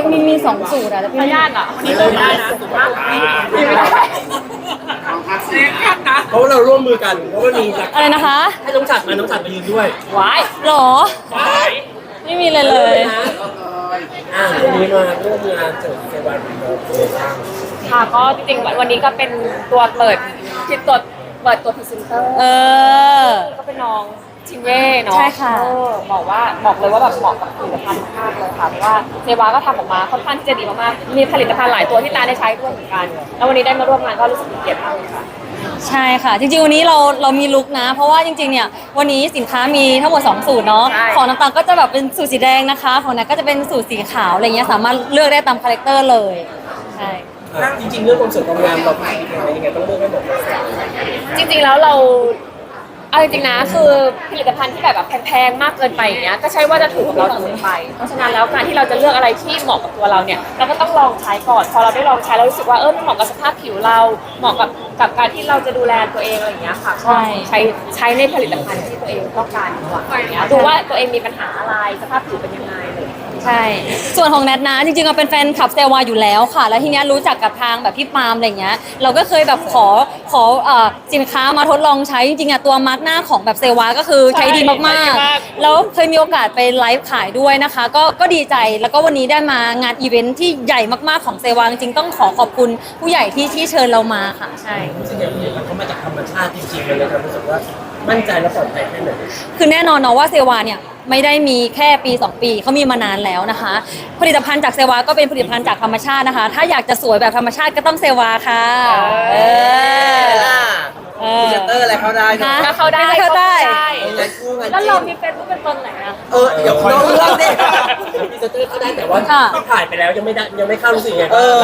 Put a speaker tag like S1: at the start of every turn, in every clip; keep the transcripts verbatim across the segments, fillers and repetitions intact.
S1: มีมีสองสูตรอะแต่พี่
S2: พยาธิอ่ะวันนี้เลยได้นะสุภาพไม่ได้เสียกันนะ
S3: เพราะว่าเราร่วมมือกันเพราะว่ามีหลัก
S1: อะไรนะคะ
S3: ให้น้องฉัดมาน้องฉัดมายืนด้วย
S2: วาย
S1: หรอ
S2: วาย
S1: ไม่มีเลยเลย
S3: อ่าวันนี้มาร่วมงานเจิดเซวันเราเป็นบ้าง
S2: ค่ะก็จริงๆวันนี้ก็เป็นตัวเปิดที่ตัวเปิดตัวพรีเซนเตอร์
S1: เออ
S2: ก็เป็นน้องชิงเว่เนาะ
S1: ใช่ค่ะ
S2: เออบอกว่าบอกเลยว่าแบบเหมาะกับผลิตภัณฑ์มากเลยค่ะเพราะว่าเซวาก็ทำออกมาค่อนข้างที่จะดีมากๆมีผลิตภัณฑ์หลายตัวที่ตาได้ใช้ด้วยเหมือนกันแล้ววันนี้ได้มาร่วมงานก็รู้สึกเป็นเกียรติมากเลยค่ะ
S1: ใช่ค่ะ จริงๆวันนี้เราเรามีลุคนะ เพราะว่าจริงๆเนี่ยวันนี้สินค้ามีทั้งหมดสองสูตรเนาะ
S2: ใช่
S1: ของน้ำตาลก็จะแบบเป็นสูตรสีแดงนะคะของนัทก็จะเป็นสูตรสีขาวอะไรเงี้ยสามารถเลือกได้ตามคาแรคเตอร์เลยใช่
S3: อ่ะจริงๆเรื่องความสวยความงามเราคิดยังไงต้องเลือกให้เหมาะกับเรา
S2: จริงๆแล้วเราเอาจริงๆนะคือผลิตภัณฑ์ที่แบบแบบแพงๆมากเกินไปอย่างเงี้ยก็ใช่ว่าจะถูกกับเราเสมอไปเพราะฉะนั้นแล้วการที่เราจะเลือกอะไรที่เหมาะกับตัวเราเนี่ยเราก็ต้องลองใช้ก่อนพอเราได้ลองใช้เรารู้สึกว่าเออมันเหมาะกับสภาพผิวเราเหมาะกับกับการที่เราจะดูแลตัวเองอะไรอย่างเงี้ยค่ะก็ใช้ใช้ในผลิตภัณฑ์ที่ตัวเองต้องการดีกว่าอย่างเงี้ยดูว่าตัวเองมีปัญหาอะไรสภาพผิวเป็นยังไงเลย
S1: ใช่ ส่วนของแนทนะจริงๆเราเป็นแฟนคลับเซวาอยู่แล้วค่ะ แล้วทีเนี้ยรู้จักกับทางแบบพี่ปาล์มอะไรเงี้ยเราก็เคยแบบขอขอเอ่อสินค้ามาทดลองใช้จริงๆอะตัวมาร์กหน้าของแบบเซวาก็คือใช้ดีมาก
S2: ใช้ดีมาก
S1: ๆแล้วเคยมีโอกาสไปไลฟ์ขายด้วยนะคะ ก็ก็ดีใจแล้วก็วันนี้ได้มางานอีเวนท์ที่ใหญ่มากๆของเซวาจริงๆต้องขอขอบคุณผู้ใหญ่ที่ที่เชิญเรามาค่ะใช่
S3: รู้สึกอย่างนี้มันเขามาจากธรรมชาติจริงๆเลยนะครับรู้สึกว่ามั่นใจและปลอดภัยแค่ไหน
S1: คือแน่นอนเนาะว่าเซวาเนี่ยไม่ได้มีแค่ปีสองปีเขามีมานานแล้วนะคะ ผลิตภัณฑ์จากเซวาก็เป็นผลิตภัณฑ์จากธรรมชาตินะคะ ถ้าอยากจะสวยแบบธรรมชาติก็ต้องเซวาค่ะเออ เออ
S3: พรีเซนเตอร์อะไรเข้าได้นะ
S2: ก็เข้าได้
S1: เข้าได้
S3: เออไงคู่ไง
S2: แล้วเรามีเฟซบุ๊กเป็นตนไหนอะ
S3: เออเดี๋ยวคอยเลือกดิพรีเซนเตอร์เข้าได้แต่ว่า
S1: ค่ะ
S3: ถ่ายไปแล้วยังไม่ได้ยังไม่เข้ารู้สึกไง
S4: เออ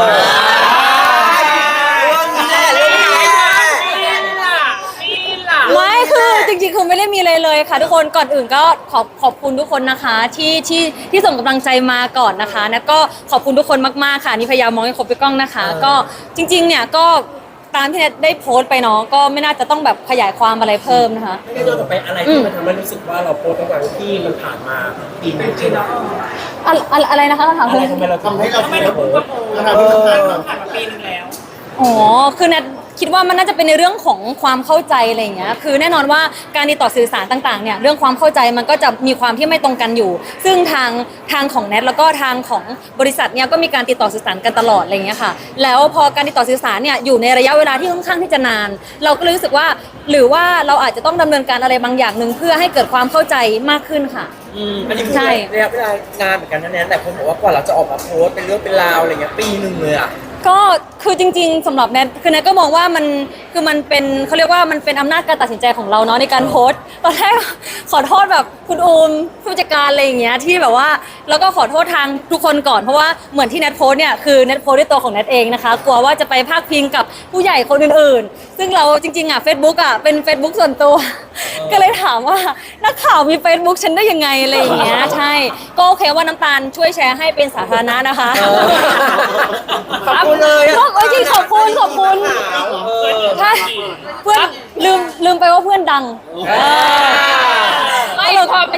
S3: เรื่องนี้แหละเรื่องนี้แหละ
S2: นี่ล่ะนี่ล่ะ
S1: ไม่คือจริงๆคือไม่ได้มีเลยเลยค่ะทุกคนก่อนอื่นก็ขอบขอบคุณทุกคนนะคะที่ที่ที่ส่งกำลังใจมาก่อนนะคะแล้วก็ขอบคุณทุกคนมากๆค่ะนี่พยายามมองให้ครบไปกล้องนะคะ ก็จริงๆเนี่ยก็ตามที่เน็ตได้โพสต์ไปเนาะก็ไม่น่าจะต้องแบบขยายความอะไรเพิ่มนะคะ
S3: ไม่ได้ย้อนกลับไปอะไรที่มันทำให้รู้สึกว่าเราโพสต์ตั้งแต่ที่มันผ่านมาปีหนึงใช่ไหม
S1: อะอะไรอะไรนะคะคำถาม
S3: อะ
S1: คื
S3: ไร
S1: อ
S3: ทำไมเราทำให้เราโพสต์
S4: ทำให้เราผ่านมา
S2: ผ่านมาปีนึงแล้ว
S1: อ๋อ คือแนทคิดว่ามันน่าจะเป็นในเรื่องของความเข้าใจอะไรอย่างเงี้ย คือแน่นอนว่าการติดต่อสื่อสารต่างๆ เนี่ยเรื่องความเข้าใจมันก็จะมีความที่ไม่ตรงกันอยู่ ซึ่งทางทางของแนทแล้วก็ทางของบริษัทเนี่ยก็มีการติดต่อสื่อสารกันตลอดอะไรอย่างเงี้ยค่ะ แล้วพอการติดต่อสื่อสารเนี่ยอยู่ในระยะเวลาที่ค่อนข้างที่จะนาน เราก็เลยรู้สึกว่าหรือว่าเราอาจจะต้องดำเนินการอะไรบางอย่างหนึ่งเพื่อให้เกิดความเข้าใจมากขึ้นค่ะ
S4: อืมอันนี้คือ
S1: ใช่
S4: ระยะเวลานานเหมือนกันนะเนี่ยแต่คนบอกว่ากว่าเราจะออกมาโพสต์เป็นเรื่องเป็นราวอะไรเงี้ยปีหนึ่งเลยอ่ะ
S1: ก็คือจริงๆสำหรับแนทคือแนทก็มองว่ามันคือมันเป็นเขาเรียกว่ามันเป็นอำนาจการตัดสินใจของเราเนาะในการโพสต์ตอนแรกขอโทษแบบคุณอูมผู้จัดการอะไรอย่างเงี้ยที่แบบว่าแล้วก็ขอโทษทางทุกคนก่อนเพราะว่าเหมือนที่แนทโพสต์เนี่ยคือแนทโพสต์ด้วยตัวของแนทเองนะคะกลัวว่าจะไปพาดพิงกับผู้ใหญ่คนอื่นๆ ซึ่งเราจริงๆอ่ะ Facebook อ่ะเป็น Facebook ส่วนตัว ก็เลยถามว่านักข่าวมี Facebook ฉันได้ยังไงอะไรอย่างเงี้ยใช่ก็โอเคว่าน้ำตาลช่วยแชร์ให้เป็นสาธารณะนะคะ
S4: ขอบคุณเลยอะ
S1: ขอบคุณจริงขอบคุณขอบคุณใช่เพื่อนลืมลืมไปว่าเพื่อนดังเออ
S2: ไม่พอไป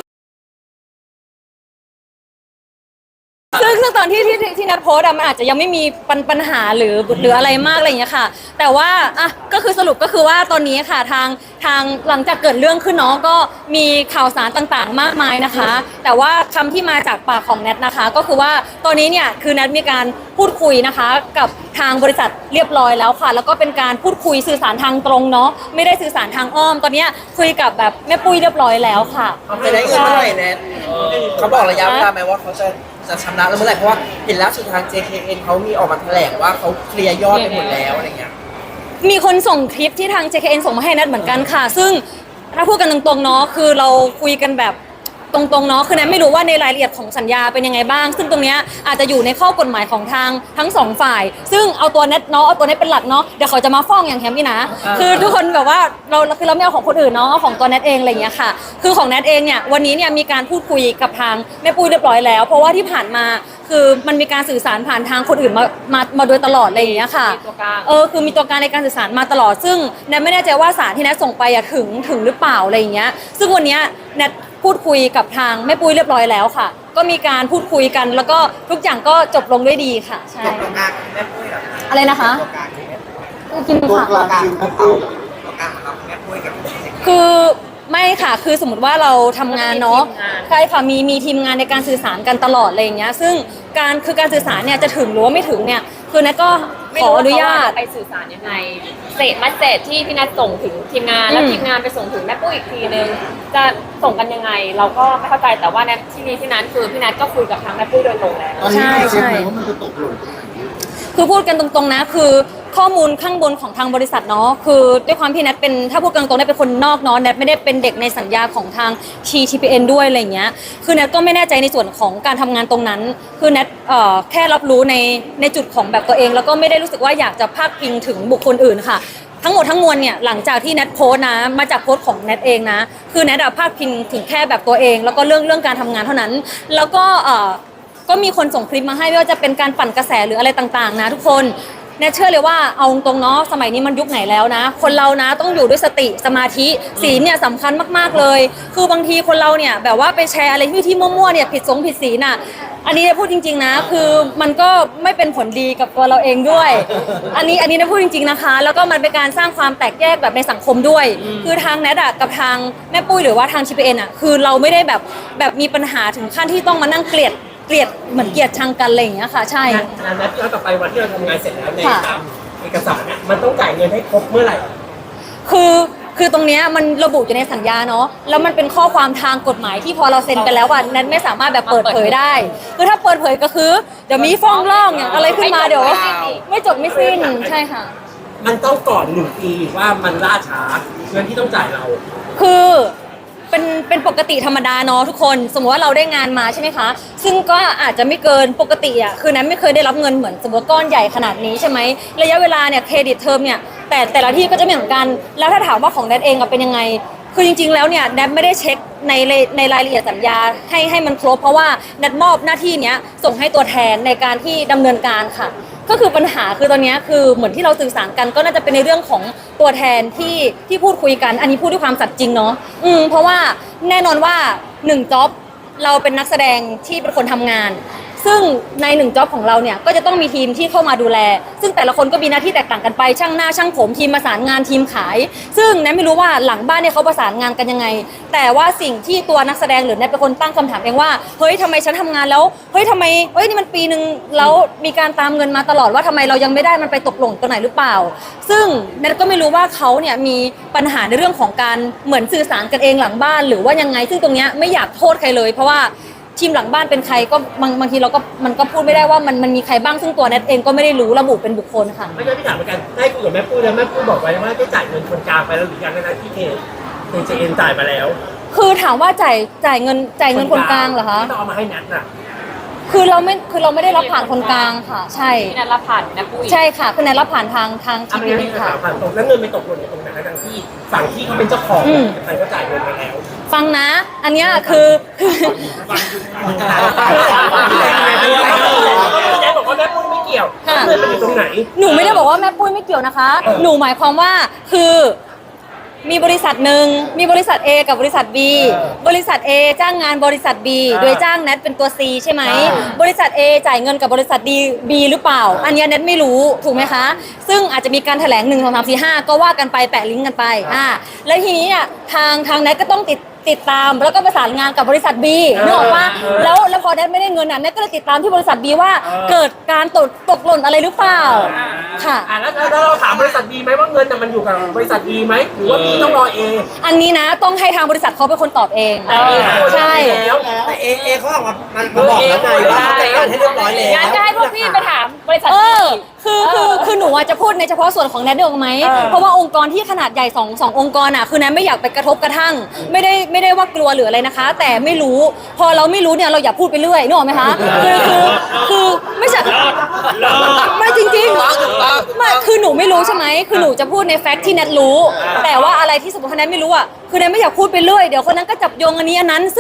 S1: ซึ่งซึ่งตอนที่ที่ที่นัดโพสต์อะมันอาจจะยังไม่มีปัญปัญหาหรือหรืออะไรมากอะไรอย่างเงี้ยค่ะ แต่ว่าอ่ะก็คือสรุปก็คือว่าตอนนี้ค่ะทางทางหลังจากเกิดเรื่องขึ้นเนาะก็มีข่าวสารต่างๆ มากมายนะคะ แต่ว่าคำที่มาจากปากของแนทนะคะ ก็คือว่าตอนนี้เนี่ยคือแนทมีการพูดคุยนะคะ กับทางบริษัทเรียบร้อยแล้วค่ะ แล้วก็เป็นการพูดคุยสื่อสารทางตรงเนาะไม่ได้สื่อสารทางอ้อม ตอนนี้คุยกับแบบแม่ปุ้ยเรียบร้อยแล้วค่ะ
S4: จะได้เงินเมื่อไหร่แนทเขาบอกระยะเวลาไหมว่าเขาจะจะชำระแล้วเมื่อไหร่เพราะว่าเห็นล่าสุดทาง เจ เค เอ็น เขามีออกมาแถลงว่าเขาเคลียร์ยอดไปหมดแล้วอะไรเงี้ย
S1: มีคนส่งคลิปที่ทาง เจ เค เอ็น ส่งมาให้แนทเหมือนกันค่ะ ซึ่งถ้าพูดกันตรงๆเนาะคือเราคุยกันแบบตรงๆเนาะคือแนทไม่รู้ว่าในรายละเอียดของสัญญาเป็นยังไงบ้าง ซึ่งตรงเนี้ยอาจจะอยู่ในข้อกฎหมายของทางทั้งสองฝ่าย ซึ่งเอาตัวแนทเนาะเอาตัวแนทเป็นหลักเนาะเดี๋ยวเขาจะมาฟ้องอย่างแฮมนี่นะคือทุกคนแบบว่าเราคือเราไม่เอาของคนอื่นเนาะเอาของตัวแนทเองอะไรอย่างเงี้ยค่ะคือของแนทเองเนี่ยวันนี้เนี่ยมีการพูดคุยกับทางแม่ปุ้ยเรียบร้อยแล้วเพราะว่าที่ผ่านมาคือมันมีการสื่อสารผ่านทางคนอื่นมามามาโดยตลอดอะไรอย่างเงี้ยค่ะ
S2: มีตัวกลาง
S1: เออคือมีตัวกลางในการสื่อสารมาตลอดซึ่งแนทไม่แน่ใจว่าสารที่แนทส่งไปอะถึงถึงหรือเปล่าอะไรอย่างเงี้ยซึ่งวันเนี้ยแนทพูพูดคุยกับทางแม่ปุ้ยเรียบร้อยแล้วค่ะ ก็มีการพูดคุยกัน แล้วก็ทุกอย่างก็จบลงด้วยดีค่ะใช่
S4: ตรงกลางแม่ปุ้ยเหรอ
S1: อะไรนะคะกิน
S5: ตัว
S1: ค่ะ
S5: กลางคือเขาเอา
S4: ตรงกลางของเราแม่ปุ้ยกับ
S1: คือไม่ค่ะ คือสมมติว่าเราทำงานเนาะ
S2: ก็จะมีทีมงาน
S1: ใช่ค่ะ มีมีทีมงานในการสื่อสารกันตลอดอะไรอย่างเงี้ย ซึ่งการคือการสื่อสารเนี่ยจะถึงหรือว่าไม่ถึงเนี่ย คือนัทก็ขออนุญาต
S2: ไปสื่อสารยังไงเศษมัสเศษที่พี่นัทส่งถึงทีมงาน แล้ว
S1: อืม
S2: ทีมงานไปส่งถึงแม่ปุ้ยอีกทีนึงจะส่งกันยังไง เราก็ไม่เข้าใจแต่ว่าในที่นี้ที่นั้นคือพี่นัทก็คุยกับทางแม่ปุ้ยโดยตรงแล้ว
S5: ตอนนี้
S1: ใช่
S5: เราเช็ค
S1: ใช่
S5: ไหมว่ามันจะตกหล่นตรงไหน
S1: คือพูดกันตรงๆนะคือข้อมูลข้างบนของทางบริษัทเนาะคือด้วยความที่แนทเป็นถ้าพูดกันตรงๆแนทเป็นคนนอกเนาะแนทไม่ได้เป็นเด็กในสัญญาของทาง ที ที พี เอ็น ด้วยอะไรอย่างเงี้ยคือแนทก็ไม่แน่ใจในส่วนของการทำงานตรงนั้น คือแนทเอ่อแค่รับรู้ในในจุดของแบบตัวเอง แล้วก็ไม่ได้รู้สึกว่าอยากจะพาดพิงถึงบุคคลอื่นค่ะ ทั้งหมดทั้งมวลเนี่ยหลังจากที่แนทโพสต์นะมาจากโพสต์ของแนทเองนะคือแนทอะพาดพิงถึงแค่แบบตัวเอง แล้วก็เรื่องเรื่องการทำงานเท่านั้น แล้วก็เอ่อ ก็มีคนส่งคลิปมาให้ไม่ว่าจะเป็นการปั่นกระแสหรืออะไรต่างๆ นะทุกคนแน่เชื่อเลยว่าเอาตรงๆเนาะสมัยนี้มันยุคไหนแล้วนะ คนเรานะต้องอยู่ด้วยสติสมาธิศีลเนี่ยสำคัญมากๆเลย คือบางทีคนเราเนี่ยแบบว่าไปแชร์อะไรที่ที่มั่วๆเนี่ยผิดสงผิดศีลน่ะอันนี้พูดจริงๆนะคือมันก็ไม่เป็นผลดีกับตัวเราเองด้วย อันนี้อันนี้นะพูดจริงๆนะคะ แล้วก็มันเป็นการสร้างความแตกแยกแบบในสังคมด้วย คือทางแนทอะกับทางแม่ปุ้ยหรือว่าทาง ที พี เอ็น อะคือเราไม่ได้แบบแบบมีปัญหาถึงขั้นที่ต้องมานั่งเกลียดเกลียดเหมือนเกลียดชังกันอะไรอย่างเงี้ยค่ะใช่
S3: งานงานนั้นย้อนกลับไปวันที่เราทำงานเสร็จแล้วใน
S1: ค่ะ
S3: ตามเอกสารเนี่ยมันต้องจ่ายเงินให้ครบเมื่อไหร่
S1: คือคือตรงเนี้ยมันระบุอยู่ในสัญญาเนาะแล้วมันเป็นข้อความทางกฎหมายที่พอเราเซ็นกันแล้วอ่ะนั้นไม่สามารถแบบเปิดเผยได้ คือถ้าเปิดเผยก็คือเดี๋ยวมีฟ้องร้องอย่างอะไรขึ้นมาเดี๋ยวไม่จบไม่สิ้นใช่ค่ะ
S3: มันต้องก่อนหนึ่งปีว่ามันล่าช้าเงินที่ต้องจ่ายเรา
S1: คือเป็นเป็นปกติธรรมดาเนาะทุกคนสมมติว่าเราได้งานมาใช่ไหมคะซึ่งก็อาจจะไม่เกินปกติอ่ะคือนั้นไม่เคยได้รับเงินเหมือนสมมติก้อนใหญ่ขนาดนี้ใช่ไหมระยะเวลาเนี่ยเครดิตเทอมเนี่ยแต่แต่ละที่ก็จะไม่เหมือนกัน แล้วถ้าถามว่าของแดนเองอะเป็นยังไง คือจริงๆแล้วเนี่ยแดนไม่ได้เช็คในในรายละเอียดสัญญาให้ให้มันครบเพราะว่าแดนมอบหน้าที่เนี้ยส่งให้ตัวแทนในการที่ดำเนินการค่ะ ก็คือปัญหาคือตอนเนี้ยคือเหมือนที่เราสื่อสารกันก็น่าจะเป็นในเรื่องของตัวแทนที่ที่พูดคุยกัน อันนี้พูดด้วยความสัตย์จริงเนาะอืมเพราะว่าแน่นอนว่าหนึ่งจ็อบเราเป็นนักแสดงที่เป็นคนทำงาน ซึ่งในหนึ่งจ็อบของเราเนี่ยก็จะต้องมีทีมที่เข้ามาดูแล ซึ่งแต่ละคนก็มีหน้าที่แตกต่างกันไปช่างหน้าช่างผมทีมประสานงานทีมขาย ซึ่งแนทไม่รู้ว่าหลังบ้านเนี่ยเขาประสานงานกันยังไง แต่ว่าสิ่งที่ตัวนักแสดงหรือแนทเป็นคนตั้งคำถามเองว่าเฮ้ยทำไมฉันทำงานแล้วเฮ้ยทำไมเฮ้ยนี่มันปีหนึ่งแล้วมีการตามเงินมาตลอดว่าทำไมเรายังไม่ได้มันไปตกหล่นตัวไหนหรือเปล่า ซึ่งแนทก็ไม่รู้ว่าเขาเนี่ยมีปัญหาในเรื่องของการเหมือนสื่อสารกันเองหลังบ้านหรือว่ายังไง ซึ่งตรงเนี้ยไม่อยากโทษใครเลย เพราะว่าทีมหลังบ้านเป็นใครก็บางบางทีเราก็มันก็พูดไม่ได้ว่ามันมันมีใครบ้างซึ่งตัวแนทเองก็ไม่ได้รู้ระบุเป็นบุคคลค่ะ
S3: ไม่ใช่พี่ถามเหมือนกันได้คุยกับแม่ปุ้ยแล้วแม่ปุ้ยบอกไว้ว่าได้จ่ายเงินคนกลางไปแล้วหรือยังนะที่เคเคเจเอ็นจ่ายมาแล้ว
S1: คือถามว่าจ่ายจ่ายเงินจ่ายเงินคนกลางเหรอคะ
S3: ที่ต้องเอามาให้นัทน่ะ
S1: คือเราไม่คือเราไม่ได้รับผ่านคนกลางค่ะ ใช่
S2: พี่นัทรับผ่านแม่ปุ้ย
S1: ใช่ค่ะคือแนทรับผ่านทางทาง
S3: เอา
S1: ที
S3: ไป
S1: พี
S3: ให้
S1: ค่ะ
S3: สาวผ่านตรงแล้วเงินไปตกหล่นอยู่ตรงไหนทั้งที่ฝั่งที่เขาเป็นเจ้าของ
S1: อืม
S3: ใครก็จ่ายเงินไปแล้ว
S1: ฟังนะ อันเนี้ยคือคือ
S3: แจ๊บอกว่าแม่ปุ้ยไม่เกี่ยว
S1: ค่ะ
S3: เงินมันอยู่ตรงไหน
S1: หนูไม่ได้บอกว่าแม่ปุ้ยไม่เกี่ยวนะคะ หนูหมายความว่าคือมีบริษัทหนึ่งมีบริษัท A กับบริษัท B บริษัท A จ้างงานบริษัท B โดยจ้างแนทเป็นตัว C ใช่ไหมบริษัท A จ่ายเงินกับบริษัท D B หรือเปล่า อันเนี้ยแนทไม่รู้ถูกไหมคะ ซึ่งอาจจะมีการแถลงหนึ่งสองสามสี่ห้าก็ว่ากันไปแปะลิงก์กันไปอ่าแล้วทีนี้อ่ะทางทางแนทก็ต้องติดติดตามแล้วก็ประสานงานกับบริษัท B นึกออกปะแล้วแล้วพอแนทไม่ได้เงินอ่ะแนทก็เลยติดตามที่บริษัท B ว่าเกิดการตกตกหล่นอะไรหรือเปล่าค่ะ
S3: อ่าแล้วแล้วเราถามบริษัทดีไหมว่าเงินน่ะมันอยู่กับบริษัทดีไหมหรือว่าพี่ต้องรอเอ
S1: อันนี้นะต้องให้ทางบริษัทเขาเป็นคนตอบเอง
S3: เออ
S1: ใช่
S3: แล้ว
S4: แต่เอเอเขาออกมามันมาบอกแล้วไงว่าเขาจัดการให้เรียบร้อยแล้ว
S2: งั้นก็ให้พวกพี่ไปถามบริษัท
S1: เอ
S2: พี่
S1: อคือคือคือหนูอะจะพูดในเฉพาะส่วนของแนทเดียวไหม
S2: เออ
S1: เพราะว่าองค์กรที่ขนาดใหญ่สองสององค์กรอ่ะคือแนทไม่อยากไปกระทบกระทั่ง ไม่ได้ไม่ได้ว่ากลัวหรืออะไรนะคะ แต่ไม่รู้พอเราไม่รู้เนี่ยเราอย่าพูดไปเรื่อยนึกออกไหมคะคือคือคือไม่ใช่ไม่จริงๆไม่คือหนูไม่รู้ใช่ไหมคือหนูจะพูดในแฟกต์ที่แนทรู้ แต่ว่าอะไรที่สมมติว่าแนทไม่รู้อ่ะคือแนทไม่อยากพูดไปเรื่อยเดี๋ยวคนนั้นก็จับโยงอันนี้อันนั้น ซึ่ง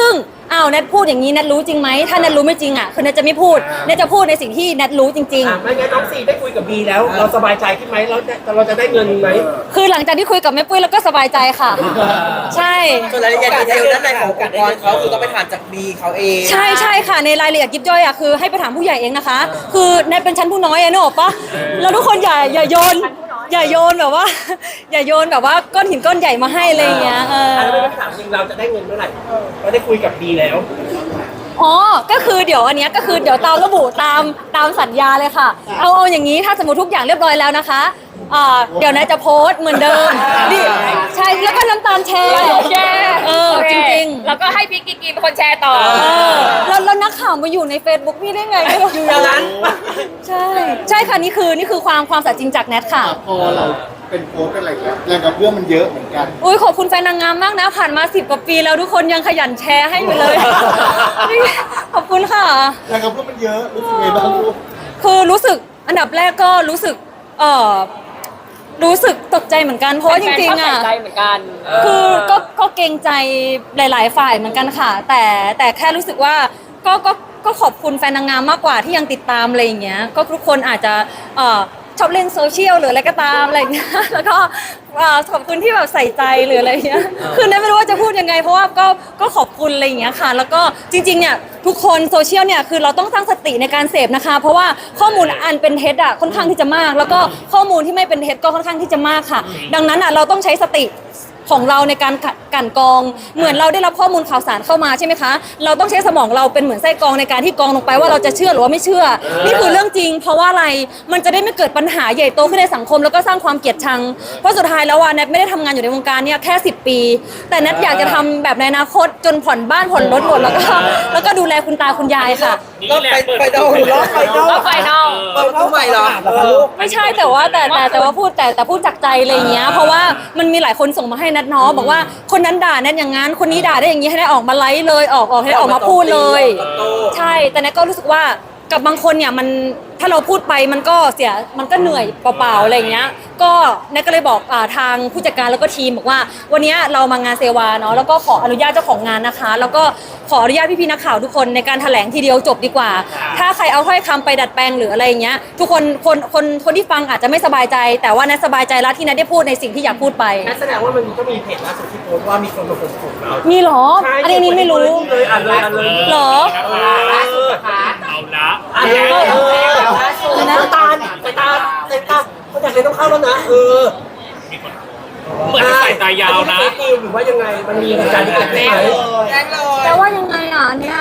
S1: อ้าวแนทพูดอย่างนี้แนทรู้จริงไหมถ้าแนทรู้ไม่จริงอ่ะคือแนทจะไม่พูดแนทจะพูดในสิ่งที่แนทรู้จริง
S3: อ่ะไม่งั้นน้องซีได้คุยกับบีแล้ว เราสบายใจขึ้นไหมเราจะเราจะได้เงินไหม
S1: ๆ คือหลังจากที่คุยกับแม่ปุ้ยแล้วก็สบายใจค่ะ ใช่
S4: ส่วนรายละเอียดดีเทลด้านในขององค์กรเขาคือต้องไปถามจากบีเขาเอง
S1: ใช่ใช่ค่ะในรายละเอียดยิบย่อยอ่ะคือให้ไปถามผู้ใหญ่เองนะคะ คือแนทเป็นชั้นผู้น้อยอะนึกออกปะแล้วทุกคนอย่าอย่าโยน อย่าโยนแบบว่า อย่าโยนแบบว่าก้อนหินก้อนใหญ่มาให้อะไรอย่างเงี้ยเออ
S3: อ่ะแล้วไม่ถามจริงเราจะได้เงินเมื่อไหร่เราได้คุยกับบีแล้ว
S1: อ๋อ ก็คือเดี๋ยวอันเนี้ยก็คือเดี๋ยวตามระบุตามตามสัญญาเลยค่ะ เอาเอาอย่างนี้ถ้าสมมติทุกอย่างเรียบร้อยแล้วนะคะอ่าเดี๋ยวนะจะโพสต์เหมือนเดิมดิใช่แล้วก็น้ำตาลแชร์
S2: แชร์
S1: เออจริงๆ
S2: แล้วก็ให้พี่กิ๊กกินเป็นคนแชร์ต่อ
S1: เออแล้วแล้วนักข่าวมาอยู่ใน Facebook พี่ได้ไงไม่รู้
S3: อยู่อย่างนั้น
S1: ใช่ ใช่ค่ะนี่คือนี่คือความความสัตย์จริงจากแนทค่ะ
S5: พอเราเป็นโค้ชเป็นอะไรอย่างเงี้ยแรงกระเพื่อมมันเยอะเหมือนกัน
S1: อุ้ยขอบคุณแฟนนางงามมากนะ ผ่านมาสิบกว่าปีแล้วทุกคนยังขยันแชร์ให้อยู่เลย ขอบคุณค่ะ
S5: แรงกระเพื่อมมันเยอะรู้สึกไงบ้างลูก
S1: คือรู้สึกอันดับแรกก็รู้สึกเออรู้สึกตกใจเหมือนกันเพราะว่าจริงๆอ่ะ
S2: แฟนๆชอบใส่ใจเหมือนกัน
S1: คือก็ก็เกรงใจหลาย ๆ ฝ่ายเหมือนกันค่ะ แต่แต่แค่รู้สึกว่าก็ก็ก็ขอบคุณแฟนนางงามมากกว่าที่ยังติดตามอะไรอย่างเงี้ยก็ทุกคนอาจจะเอ่อชอบเล่นโซเชียลหรืออะไรก็ตามอะไรอย่างเงี้ยแล้วก็เอ่อขอบคุณที่แบบใส่ใจหรืออะไรอย่างเงี้ยคือเนยไม่รู้ว่าจะพูดยังไง เพราะว่าก็ก็ขอบคุณอะไรอย่างเงี้ยค่ะ แล้วก็จริงๆเนี่ยทุกคนโซเชียลเนี่ยคือเราต้องตั้งสติในการเสพนะคะ เพราะว่าข้อมูลอันเป็นเท็จอ่ะค่อนข้างที่จะมาก แล้วก็ข้อมูลที่ไม่เป็นเท็จก็ค่อนข้างที่จะมากค่ะ ดังนั้นอ่ะเราต้องใช้สติของเราในการกลั่นกรองเหมือนเราได้รับข้อมูลข่าวสารเข้ามาใช่ไหมคะเราต้องใช้สมองเราเป็นเหมือนไส้กรองในการที่กรองลงไปว่าเราจะเชื่อหรือว่าไม่เชื่อ นี่คือเรื่องจริง เพราะว่าอะไรมันจะได้ไม่เกิดปัญหาใหญ่โตขึ้นในสังคมแล้วก็สร้างความเกลียดชังเพราะสุดท้ายแล้วว่าแนทไม่ได้ทำงานอยู่ในวงการเนี่ยแค่สิบปี แต่แนทอยากจะทำแบบในอนาคตจนผ่อนบ้านผ่อนรถหมดแล้วก็แล้วก็ดูแลคุณตาคุณยายค่ะ
S4: ก็ไปไปดาวรอบไปดาว
S2: รอบไฟนอล
S4: เปิดเข้าใหม่เหรอ
S1: ไม่ใช่แต่ว่าแต่แต่แต่ว่าพูดแต่แต่พูดจากใจอะไรอย่างเงี้ยเพราะว่ามันมีหลายคนส่งมาให้นัทเนาะบอกว่าคนนั้นด่าแนทอย่างงั้นคนนี้ด่าได้อย่างงี้ให้ได้ออกมาไลฟ์เลยออกออกให้ได้ออกมาพูดเลย ใช่แต่แนทก็รู้สึกว่ากับบางคนเนี่ยมันถ้าเราพูดไปมันก็เสียมันก็เหนื่อยเปล่าๆอะไรอย่างเงี้ยก็แนทก็เลยบอกอ่าทางผู้จัดการแล้วก็ทีมบอกว่าวันนี้เรามางานเซวาเนาะแล้วก็ขออนุญาตเจ้าของงานนะคะ แล้วก็ขออนุญาตพี่ๆนักข่าวทุกคนในการแถลงทีเดียวจบดีกว่า ถ้าใครเอาถ้อยคำไปดัดแปลงหรืออะไรอย่างเงี้ยทุกคนคนคนคนที่ฟังอาจจะไม่สบายใจ แต่ว่าแนทสบายใจแล้วที่แนทได้พูดในสิ่งที่อยากพูดไป
S3: นั่นแสดงว่ามันก็มีเพจล่าสุดที่โพสต์ว่ามีคนมาข่มขู่เรา
S1: มีเหรอ
S3: ใช่
S1: อันนี้นี่ไม่รู้
S3: เลยอ่านเลยอ่านเลย
S1: เหรอ
S3: ล่าสุดนะคะเอาละอ่านเลยน้ำตาลสายตาสายตาเขาอยากเลยต้องเข้าแล้วนะเออ
S6: เหมือนสายตายาวนะ
S3: เฟซนิวหรือว่ายังไงมันมีเหตุการณ์ที่เกิดขึ้นไหม
S4: แจ้งเลย
S1: แต่ว่ายังไงอ่ะเนี่ย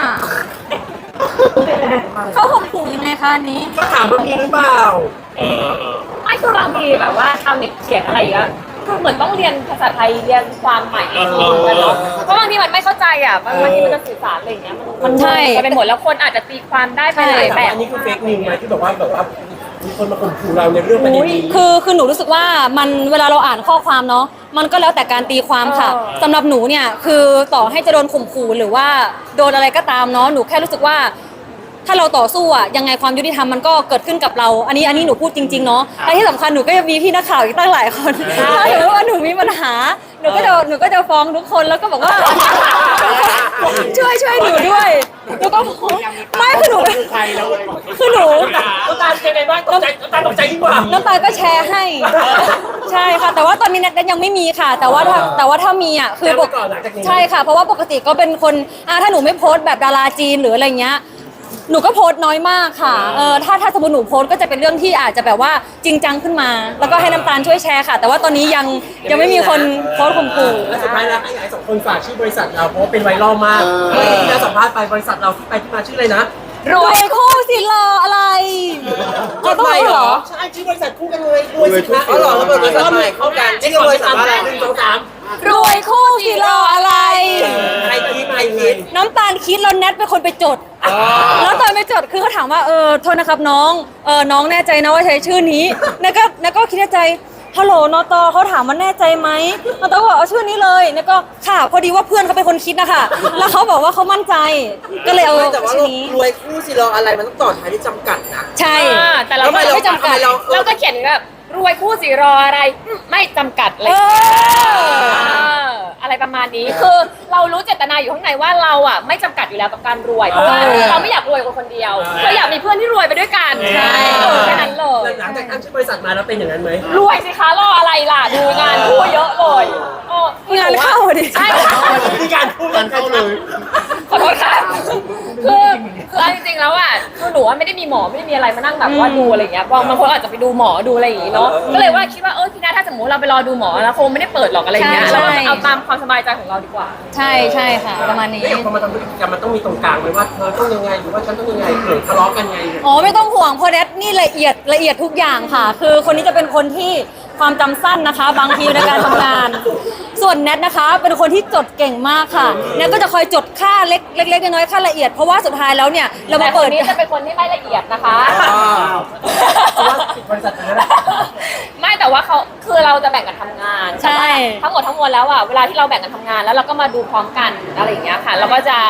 S1: เขาข่มขู่ยังไงคะอันนี้
S3: ก็ถามว่ามีหรือเปล่า
S2: ไม่คือบางทีแบบว่าทำเน็ตเขียนอะไรอย่างเงี้ยคือเหมือนต้องเรียนภาษาไทยเรียนความใหม่เองเนาะเพราะบางทีมันไม่เข้าใจอ่ะบางบางทีมันจะสื่อสารอะไรอย่างเงี้ยมันมัน
S1: ใช่
S2: ไปหมดแล้วคนอาจจะตีความได้ไปหลาย
S3: แต่
S2: แบ
S3: ว่า
S2: บ
S3: อันนี้คือเฟกนิวไหมที่แบบว่าแบบว่ามีคนมาข่มขู่เราในเรื่องประเด็นนี้
S1: คือคือหนูรู้สึกว่ามันเวลาเราอ่านข้อความเนาะมันก็แล้วแต่การตีความค่ะ
S2: เออ
S1: สำหรับหนูเนี่ยคือต่อให้จะโดนข่มขู่หรือว่าโดนอะไรก็ตามเนาะหนูแค่รู้สึกว่า ถ้าเราต่อสู้อะยังไงความยุติธรรมมันก็เกิดขึ้นกับเรา อันนี้อันนี้หนูพูดจริงๆเนาะและที่สำคัญหนูก็ยังมีพี่นักข่าวอีกตั้งหลายคนถ้าสมมติว่าหนูมีปัญหาหนูก็จะหนูก็จะฟ้องทุกคนแล้วก็บอกว่า ช่วยช่วยหนูด้วยหนูก็ไม่คือหนูคือหนู
S3: น้ำตาลเป็นไงบ้างตกใจน้ำตาลตกใจยิ่งกว่า
S1: น้ำตาลก็แชร์ให้ ใช่ค่ะ แต่ว่าตอนนี้แนทยังไม่มีค่ะ แต่ว่าถ้าแต่ว่าถ้ามีอ่ะคือปก
S3: ก่อนหลังจากนี้
S1: ใช่ค่ะ เพราะว่าปกติก็เป็นคนอ่าถ้าหนูไม่โพสต์แบบดาราจีนหรืออะไรเงี้ยหนูก็โพสต์น้อยมากค่ะเออถ้าถ้าสมมติหนูโพสต์ก็จะเป็นเรื่องที่อาจจะแบบว่าจริงจังขึ้นมา แล้วก็ให้น้ำตาลช่วยแชร์ค่ะ แต่ว่าตอนนี้ยังยังไม่มีคนโพสต์ข่มขู่
S3: และสุดท้ายแล้วให้ไอ้สองคนฝากชื่อบริษัทเราเพราะว่าเป็นไวรัลมากเมื่อกี้ที่เราสัมภาษณ์ไปบริษัทเราที่ไปที่มาชื่ออะไรนะ
S1: รวยคู่สิรออะไรเราต้องรู้เหรอ
S3: ใช่ชื่อบริษัทคู่กันเลยรวยสิคะ
S4: อ๋อเหรอแล้วเปิดบริษัทใหม่เข้ากันนี่คือบริษัทอะไร
S3: หนึ่งสองสาม
S1: รวยคู่สิรออะไร
S4: ใครคิดใครคิด
S1: น้ำตาลคิดแล้วแนทเป็นคนไปจด แล้วตอนไปจดคือเขาถามว่าเออโทษนะครับน้องเออน้องแน่ใจนะว่าใช้ชื่อนี้แนทก็แนทก็คิดในใจฮัลโหลนอตอเขาถามว่าแน่ใจไหมนอตอก็บอกเอาชื่อนี้เลยแนทก็ค่ะพอดีว่าเพื่อนเขาเป็นคนคิดนะคะแล้วเขาบอกว่าเขามั่นใจก็เลยเอา
S4: ไม่แต่ว่า
S1: ชื่อนี้
S4: รวยคู่สิรออะไรมันต้องต่อท้ายที่จำกัดนะ
S1: ใช่
S2: อ่าแต่เรา
S4: ทำไมเรา
S1: ไม่จำกัด
S4: ทำไมเรา
S2: เราก็เขียนแบบรวยคู่สิรออะไรอืมไม่จำกัดเลย
S1: เออ
S2: อะไรประมาณนี้คือเรารู้เจตนาอยู่ข้างในว่าเราอ่ะไม่จำกัดอยู่แล้วกับการรวยเพราะว่า
S1: เออ
S2: เราไม่อยากรวยคนคนเดียวเราอยากมีเพื่อนที่รวยไปด้วยกันใช่แค่นั้นเลย
S3: หลังจากตั้งชื่อบริษัทมาแล้วเป็นอย่างนั้นไหม
S2: รวยสิคะรออะไรล่ะดูงานคู่เยอะเลยโอ้
S1: งานเข้าดิ
S2: ใช่
S3: มีการพูด
S5: มันเข้าเลย
S2: ขอโทษค่ะคือคือเอาจริงๆแล้วอ่ะคือหนูว่าไม่ได้มีหมอไม่ได้มีอะไรมานั่งแบบว่าดูอะไรอย่างเงี้ยบางบางคนอาจจะไปดูหมอดูอะไรอย่างงี้เนาะก็เลยว่าคิดว่าเออพี่นาถ้าสมมติเราไปรอดูหมอแล้วคงไม่ได้เปิดหรอกอะไรอย่างเงี้ย
S1: ใช่
S2: เรา
S1: ใช่
S2: เอาตามความสบายใจของเราดีกว่า
S1: ใช่ใช่ค่ะ ประมาณนี้
S3: แล้วอย่างพอมาทำธุรกิจกันมันต้องมีตรงกลางไหมว่าเธอต้องยังไงหรือว่าฉันต้องยังไงเกิดทะเลาะกันไง
S1: อ๋อไม่ต้องห่วงเพราะแนทนี่ละเอียดละเอียดทุกอย่างค่ะ คือคนนี้จะเป็นคนที่ความจำสั้นนะคะ บางทีในการทำงาน ส่วนแนทนะคะ เป็นคนที่จดเก่งมากค่ะแนทก็จะคอยจดค่าเล็กเล็กๆน้อยๆค่าละเอียดเพราะว่าสุดท้ายแล้วเนี่ยเรามา
S2: แต่ค
S1: เปิ
S2: น
S1: ด
S2: นี้จะเป็นคนที่ไม่ละเอียดนะคะ
S3: เพราะว่าปิดบริษัทนั้นแหละ
S2: ไม่แต่ว่าเขาคือเราจะแบ่งกันทำงาน
S1: ใช่
S2: แต่ว่าทั้งหมดทั้งมวลแล้วอ่ะเวลาที่เราแบ่งกันทำงานแล้วเราก็มาดูพร้อมกันอะไรอย่างเงี้ยค่ะเราก็จะ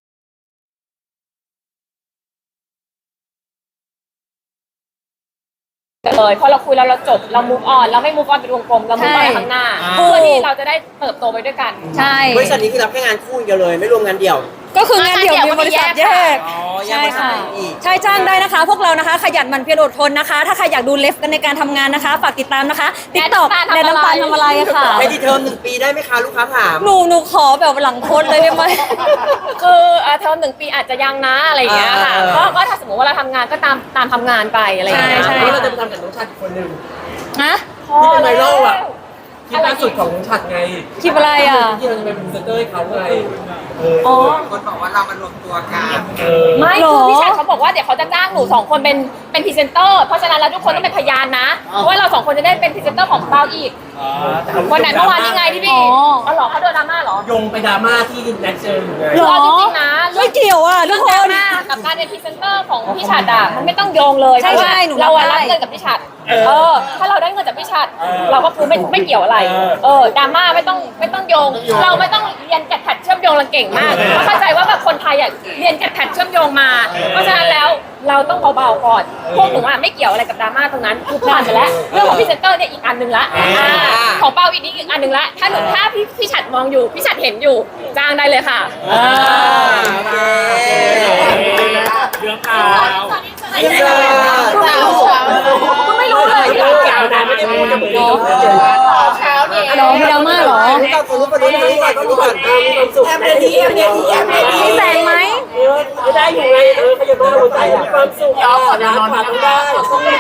S2: เลยพอเราคุยแล้วเราจบเรา move on เราไม่ move on เป็นวงกลมเรา move on ไปข้างหน้า
S1: ใช่
S2: เพื่อที่เราจะได้เติบโตไปด้วยกัน
S1: ใช่
S4: บริษัทนี้คือรับแค่งานคู่อย่างเดียวเลยไม่รวมงานเดี่ยว
S1: ก็คืองานเดี่ยวมีบริษัทแยก
S4: อ๋อแยก
S1: ใช่
S4: บริษัท
S1: ค่ะ
S4: อีก
S1: ใช่จ้างได้นะคะ พวกเรานะคะขยันหมั่นเพียรอดทนนะคะ ถ้าใครอยากดูเลฟกันในการทำงานนะคะฝากติดตามนะคะติ๊กต็อก
S2: แน
S1: แน
S2: ท
S1: ท
S2: น้ำ
S1: น้ำ
S2: ตา
S1: ตา
S2: ล
S1: ล
S2: ทำ
S1: ทำ
S2: อะ
S1: อะไร ไร
S2: ค่ะ
S1: ค่ะ
S4: ให้ดีเทอมหนึ่งปีได้ไหมคะลูกค้าถาม
S1: หนูหนูขอแบบหลังโพสต์เลยได้ไหม
S2: คือเอ่อเทอมหนึ่งปีอาจจะยังนะอะไรอย่างเงี้ยค่ะ
S4: เออ
S2: ก็ก็ถ้าสมมติว่าเราทำงานก็ตามตามทำงานไปอะไรอย่างเงี้ย
S1: ใช่
S3: เพราะเราจะไปทำกับน้องชัดอีกคนนึง
S1: ฮะ
S3: ที่เป็นไวรัลอ่ะคลิปล่าสุดของน้องชัดไง
S1: คลิปอะไรอ่ะ
S3: ที่เราจะเป็นพรีเซนเตอร์ให้เขาไงเออ
S1: อ๋อ
S4: คนบอกว่าเรามารวมตัวกัน
S3: เออ
S2: ไม่
S1: หร
S2: คือ อพี่ชายเขาบอกว่าเดี๋ยวเขาจะจ้างหนูสองคนเป็นเป็นพรีเซนเตอร์เพราะฉะนั้นแล้วทุกคนต้องเป็นพยานนะเพราะว่าเราสองคนจะได้เป็นพรีเซนเตอร์ของเราอีกวันไหนเมื่อวานนี่ไงที่พี่
S1: อ๋อ
S2: อ๋อเหรอเขาโดนดราม่าเหรอ
S3: โยงไปดราม่าที่แน็กเจออยู่ไง
S1: หรอ
S2: เอาจริงๆนะ
S1: ไม่เกี่ยวอ่ะทุ
S2: เรื่
S1: ก
S2: อง
S1: ค
S2: ดราน ม่ากับการเป็นพรีเซนเตอร์ของพี่ชัดอ่ะมันไม่ต้องโยงเลย
S1: ใช่
S2: เพราะว่า
S1: ใช่หนู
S2: เราอะ
S1: รับ
S2: รับ
S1: ได้
S2: เงินกับพี่ชัดเออถ้าเราได้เงินจากพี่ชัดเราก็คือไม่ไม่เกี่ยวอะไรเออดราม่าไม่ต้องไม่ต้องโยง เราไม่ต้องเรียนแกดแพดเชื่อมโยงเราเก่งมากเพราะเข้าใจว่าแบบคนไทยอ่ะเรียนแกดแพดเชื่อมโยงมา เพราะฉะนั้นแล้วเราต้องเบาๆก่อนพวกหนูอ่ะไม่เกี่ยวอะไรกับดราม่าตรงนั้นคือผ่านไปแล้วเรื่องของพรีเซนเตอร์เนี่ยอีกอันหนึ่งละอ่าของเปาอีกนิดอีกอันหนึ่งละถ้าหนูถ้าพี่พี่ชัดมองอยู่พี่ชัดเห็นอยู่จ้างได้เลยค่ะ
S4: โอเค
S6: เรื่องราว
S4: อินเสิร์ต
S2: ก็ไม่รู้เลย
S3: ที่เราแกวนะไม่ได้พูดจะเหมือนน้องเจอ
S1: หรอมีดราม่าเหรอ
S4: รู้ก่อนคนรู้ก่อนรู้ก่อนรู้ก่อนรู้ก่อน
S3: มีความสุขแอมเดียแอมเดียแอมเดีย
S1: มีแสงไหม
S3: เออได้อยู่ไงเออขยันมาหัวใจมีความสุขอ่ะนะขวาต้องได้